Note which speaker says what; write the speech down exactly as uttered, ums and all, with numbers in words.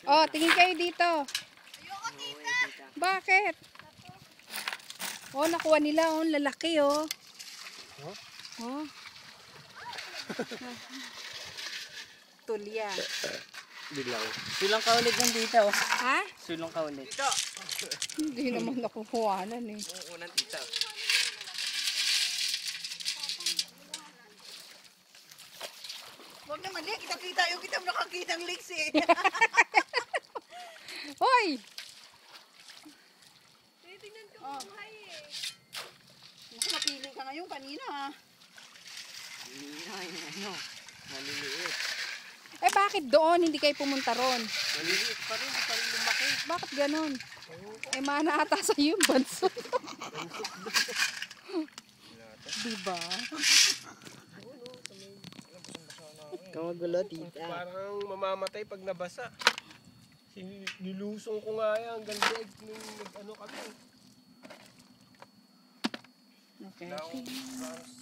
Speaker 1: Oh, tingin kayo dito.
Speaker 2: Ayoko, tita.
Speaker 1: Bakit? Oh, nakuha nila. Oh, lalaki oh.
Speaker 3: Huh?
Speaker 1: Oh. Tulya.
Speaker 3: Dilaw.
Speaker 4: Sulong ka ulit ng tita, oh.
Speaker 1: Ha?
Speaker 4: Sulong ka ulit.
Speaker 3: Tita!
Speaker 1: Hindi naman nakukuhanan eh.
Speaker 3: Oo, unang tita.
Speaker 2: Huwag naman, Lik. Kita-kita. Yung kita mo nakakita ng leaks eh.
Speaker 1: Hoy!
Speaker 2: Titingnan ko oh. Buhay eh. Naku, napili ka ngayon kanina ha.
Speaker 4: Hindi na, ano, maliliit.
Speaker 1: Eh bakit doon hindi kayo pumunta ron?
Speaker 4: Maliliit pa rin, pa rin lumaki.
Speaker 1: Bakit ganon? Eh mana ata sa iyo yung banso. Diba?
Speaker 4: Kamagulo, tita.
Speaker 3: Parang mamamatay pag nabasa. Nilusong ko nga yan hanggang leg nung ano kami.
Speaker 1: Okay.
Speaker 3: Now,